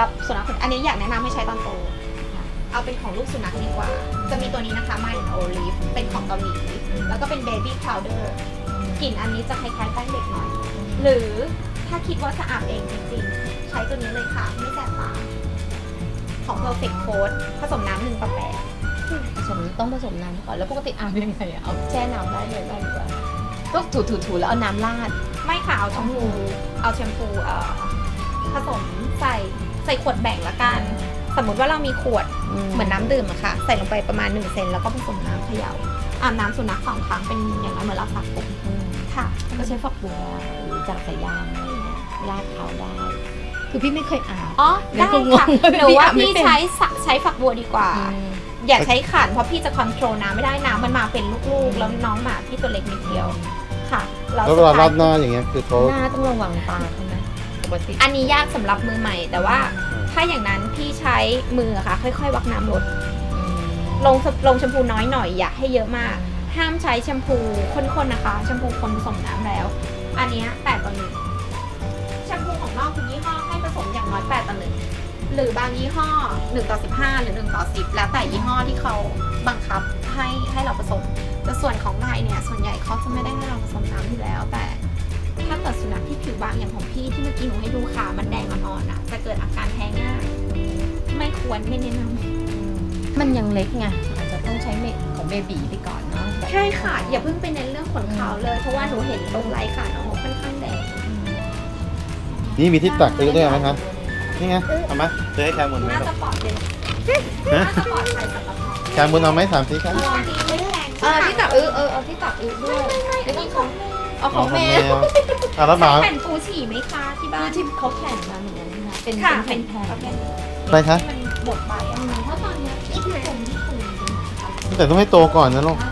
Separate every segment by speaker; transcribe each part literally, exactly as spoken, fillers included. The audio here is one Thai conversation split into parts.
Speaker 1: หรับสุนัขอันนี้อยากแนะนำให้ใช้ตอนโตเอาเป็นของลูกสุนัขดีกว่าจะมีตัวนี้นะคะ My Olive เป็นของเกาหลีแล้วก็เป็น Baby Powder กลิ่นอันนี้จะคล้ายๆแป้งเด็กหน่อยหรือถ้าคิดว่าจะอาบเองจริงๆใช้ตัวนี้เลยค่ะไม่แสบตาของ Perfect Coat ผสมน้ำหนึ่งต่อแปด
Speaker 2: ผสมต้องผสมน้ำก่อนแล้วปกติอาบยังไงอะเอาแช่น้ำได้เลยได้หรือเปล่าก็ถูๆๆแล้วเอาน้ำราด
Speaker 1: ไม่ค่ะเอาแชมพูเอาแชมพูเอ่อผสมใส่ใส่ขวดแบ่งละกันสมมติว่าเรามีขวดเหมือนน้ำดื่มอะค่ะใส่ลงไปประมาณหนึ่งเซนแล้วก็ผสมน้ำเขย่าอาบน้ำสุนัขสองครั้งเป็นอย่างน้อยเหมือนเราสระผมค่ะ
Speaker 2: ก็ใช้ฝักบัวหรือจากสายยางอะไรเงี้ยราดเขาได้คือพี่ไม่เคยอาบ
Speaker 1: อ๋อได้ค่ะหรือว่าพี่ใช้ใช้ฝักบัวดีกว่าอย่าใช้ขันเพราะพี่จะคอนโทรลน้ำไม่ได้น้ำมันมาเป็นลูกๆแล้วน้องหมาพี่ตัวเล็กนิดเดียวค่ะ
Speaker 3: แล้วเวลาราดหน้าอย่างเงี้ยคือเขา
Speaker 2: หน้าต้องระวังตาใช่ไหมปกติ
Speaker 1: อันนี้ยากสำหรับมือใหม่แต่ว่าถ้าอย่างนั้นพี่ใช้มือค่ะค่อยๆวักน้ำลดลงลงแชมพูน้อยหน่อยอย่าให้เยอะมากห้ามใช้แชมพูข้นๆนะคะแชมพูคนผสมน้ำแล้วอันนี้แปดต่อหนึ่งแชมพูของนอกทุกยี่ห้อให้ผสมอย่างน้อยแปดต่อหนึ่งหรือบางยี่ห้อหนึ่งต่อสิบห้าหรือหนึ่งต่อสิบแล้วแต่ยี่ห้อที่เขาบังคับให้ให้เราผสมแต่ส่วนของไทยเนี่ยส่วนใหญ่เขาจะไม่ได้ให้เราผสมน้ำอยู่แล้วแต่ถ้าเกิดสุนัขที่ผิวบางอย่างของพี่ที่เมื่อกี้หนูให้ดูขามันแดงอ่อนๆอ่ะจะเกิดอาการแพ้ง่ายไม่ควรไม่แนะนำ
Speaker 2: มันยังเล็กไงอาจจะต้องใช้เมดของเบบีไปก่อนเนาะ
Speaker 1: ใช่ค่ะอย่าเพิ่งไปเน้นเรื่องขนขาวเลยเพราะว่าหนูเห็นตรงไหล่ขาน้องค่อนข้างแดง
Speaker 3: นี่มีที่ตักไปด้วยไหมครับนี่ไงเอาไหมเจอให้แคมบุนไหม
Speaker 1: น่าจะปลอดเลยน่าจะปลอดภัยสำหรับ
Speaker 3: แคมบุนเอาไหมถามสิครับ
Speaker 2: เออที่ตักเออเออเอาที่ตักเออด้วยแล้วก็ของเอาของแมว
Speaker 3: อ่ะแล้วหมา
Speaker 1: แผ่นปูฉี่ไหมคะที่บ้าน
Speaker 2: ที่เขาแผ่นมาเหมือนกันนะเป็น
Speaker 1: เป็นแผ่นแผ่น
Speaker 3: อะไรคะ
Speaker 1: มันบดไปอ่ะเพราะตอนนี้อีกหน่อยผมที่คุณ
Speaker 3: แต่ต้องให้โตก่อนนะลูก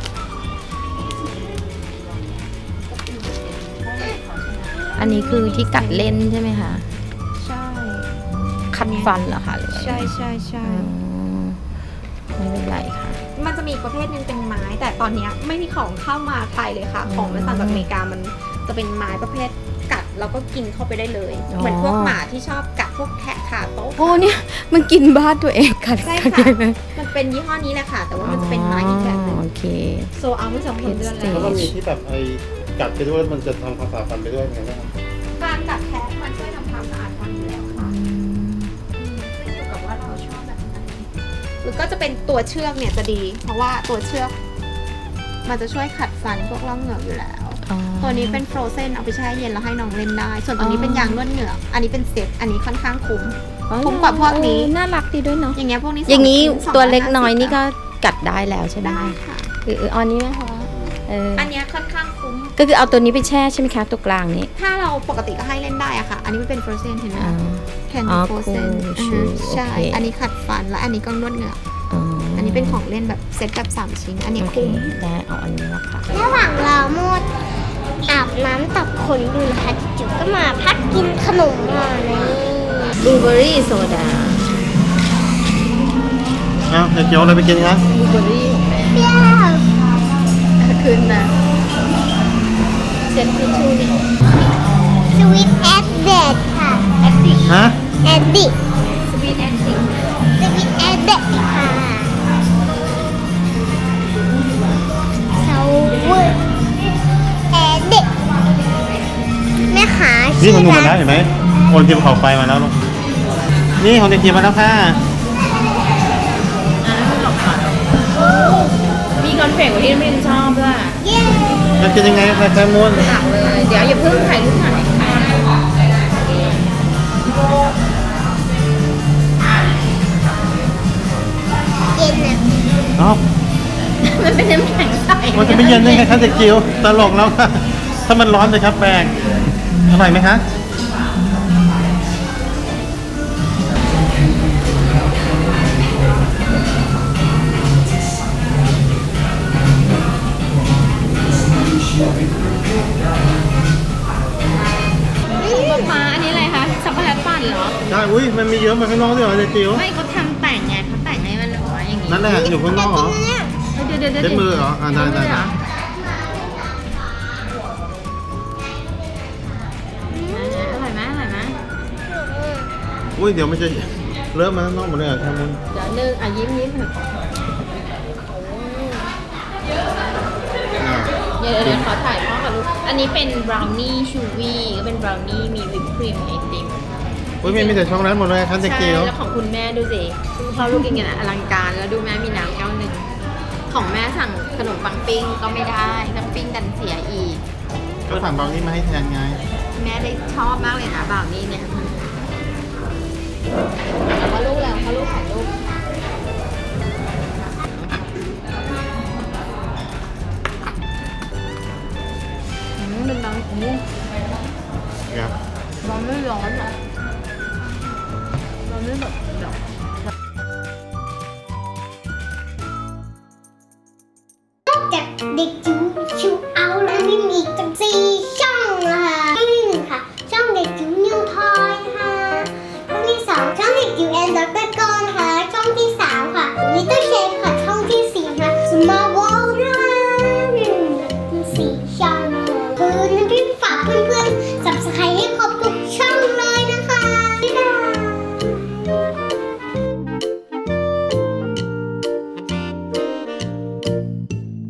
Speaker 2: อันนี้คือที่กัดเล่นใช่ไหมคะ
Speaker 1: ใช่
Speaker 2: คัดฟันเหรอคะ
Speaker 1: ใช่ใช่ใช่
Speaker 2: ไม่เป็นไรค่ะ
Speaker 1: มันจะมีประเภทหนึ่งเป็นไม้แต่ตอนนี้ไม่มีของเข้ามาไทยเลยค่ะของมาจากอเมริกามันจะเป็นไม้ประเภทกัดแล้วก็กินเข้าไปได้เลยเหมือนพวกหมาที่ชอบกัดพวกแทะขาโต๊ะ
Speaker 2: โอ้เนี่ยมันกินบ้านตัวเองกัด
Speaker 1: ใช่ค่ะมันเป็นยี่ห้อนี้แหละค่ะแต่ว่ามันจะเป็นไม้อีกแบบนึง
Speaker 2: โอเค
Speaker 1: โซเอาไม่สองเดือนแล้ว
Speaker 3: แล้วก็มีที่แบบไอ้กัดไปด้วยมันจะทำความสะอาดฟันไปด้วยไงบ้าง
Speaker 1: การกัดแทะมันช่วยทำความสะอาดฟันอยู่แล้วค่ะขึ้นอยู่กับว่าเราชอบแบบไหนหรือก็จะเป็นตัวเชือกเนี่ยจะดีเพราะว่าตัวเชือกมันจะช่วยขัดฟันพวกร่องเหงือกอยู่แล้วตัวนี้เป็นโฟรเซนเอาไปแช่เย็นแล้วให้น้องเล่นได้ส่วนตัวนี้เป็นยางนวดเหงือกอันนี้เป็นเซ็ตอันนี้ค่อนข้างคุ้มคุ้มกว่าพวกนี้
Speaker 2: น่ารักดีด้วยเนาะ
Speaker 1: อย่างเงี้ยพวกนี้
Speaker 2: อย่างนี้ตัวเล็กน้อยนี่ก็กัดได้แล้วใช่ไหม
Speaker 1: ได้ค่ะ
Speaker 2: คืออันนี้ไหมคะ
Speaker 1: อันนี้ค่อนข้างคุ้ม
Speaker 2: ก็คือเอาตัวนี้ไปแช่ใช่ไหมคะตัวกลางนี้
Speaker 1: ถ้าเราปกติก็ให้เล่นได้อะค่ะอันนี้มันเป็นโฟรเซนเห็นไหมแคน
Speaker 2: ดี้
Speaker 1: โฟรเซนใช่อันนี้ขัดฟันและอันนี้ก็นวดเหงือกอันนี้เป็นของเล่นแบบเซ็ตแบบสามชิ้นอันนี้คุ้ม
Speaker 2: ได้เอาอันนี้ละค่ะ
Speaker 4: ระหว่างเราโมดอาบน้ำตักขนอยู่นะคะจุ๋ก็มาพักกินขนมมาเลย
Speaker 2: บลูเบอร์รี่โซดา
Speaker 3: เอ้าจะเกี่ยวอะไรไปกินคะ
Speaker 2: บลูเบอร์รี่ของแม่
Speaker 4: เปรี้ยว
Speaker 2: คืนนะเซ็ตทิชชู่นี่
Speaker 4: สวีทแอดเดดค่ะ
Speaker 1: แอดดิก
Speaker 3: ฮะ
Speaker 4: แอดดิก
Speaker 1: สวีทแอดดิก
Speaker 4: สวีทแอดเดดค่ะสวีทแอดเดดแม่ขา
Speaker 3: นี่ของหนูมาแล้วเห็นไหมโอนทีมเขาไฟมาแล้วลูกนี่ของเด็กทีมมาแล้วค่ะ
Speaker 2: มีคอนเฟกต์ที่ไม่ชอบด้วย
Speaker 3: มันจะยังไงคะแคมมูน
Speaker 2: ตักเลยเดี๋ยวอย่าเพิ่งถ่ายรูปถ่ายค่ะ
Speaker 4: เย็นนะ
Speaker 3: อ๋อ
Speaker 2: มันเป็นน้ำแข็งใส
Speaker 3: มันจะไม่เย็นได้ไงคะเด็กจิ๋วตลกแล้วค่ะถ้ามันร้อนเลยครับแป้งอร่อยไหมคะ
Speaker 1: มาอันนี้อะไรคะช็อกโกแลตปั่นเหรอ
Speaker 3: ใช่อุ้ยมันมีเยอะมาข้างนอกด้วยเหรอเด็กจิ๋ว
Speaker 1: ไม่เขาทำแต่งไงเขาแต่งให้มันออกมาอย่างนี้
Speaker 3: นั่นแหละอยู่ข้างนอกเหรอ
Speaker 1: เดี๋ยวเดี๋ยวเดี๋ยว
Speaker 3: เช็ดมือเหรออ่าได้ได้
Speaker 1: อร่อยไหมอร่อยไหม
Speaker 3: อุ้ยเดี๋ยวไม่ใช่เริ่มมาข้างนอกหมดเลยเหรอครับมุน
Speaker 2: เดี๋ยวหนึ่งอ่ะยิ้มยิ้ม
Speaker 3: อ่า
Speaker 2: เดี๋ยวเดี๋ยวขอถ่ายพ่อกับลูกอันนี้เป็นบราวนี่ชูวี่ก็เป็นบราวนี่มีวิปครีมไอติม
Speaker 3: อุ้ยมีมีแต่ช็อกโกแลตหมดเลยครับเจ๊
Speaker 2: ใช่
Speaker 3: เกียว
Speaker 2: แล้วของคุณแม่ดูสิคุณพ่อลูกกินกันอะอลังการแล้วดูแม่มีน้ำแก้วหนึ่งของแม่สั่งขนมปังปิ้งก็ไม่ได้น้ำปิ้งดันเสียอีก
Speaker 3: ก็สั่งบราวนี่มาให้แทนไง
Speaker 2: แม่ได้ชอบมากเลยนะบราวนี่เนี่ยแต่ว่าลูกแล้วเขาลูกถ่ายรูปอืมเป็นบราวนี่
Speaker 3: ครับ
Speaker 2: บราวนี่ร้อนอ่ะบราวนี่แบบแบบ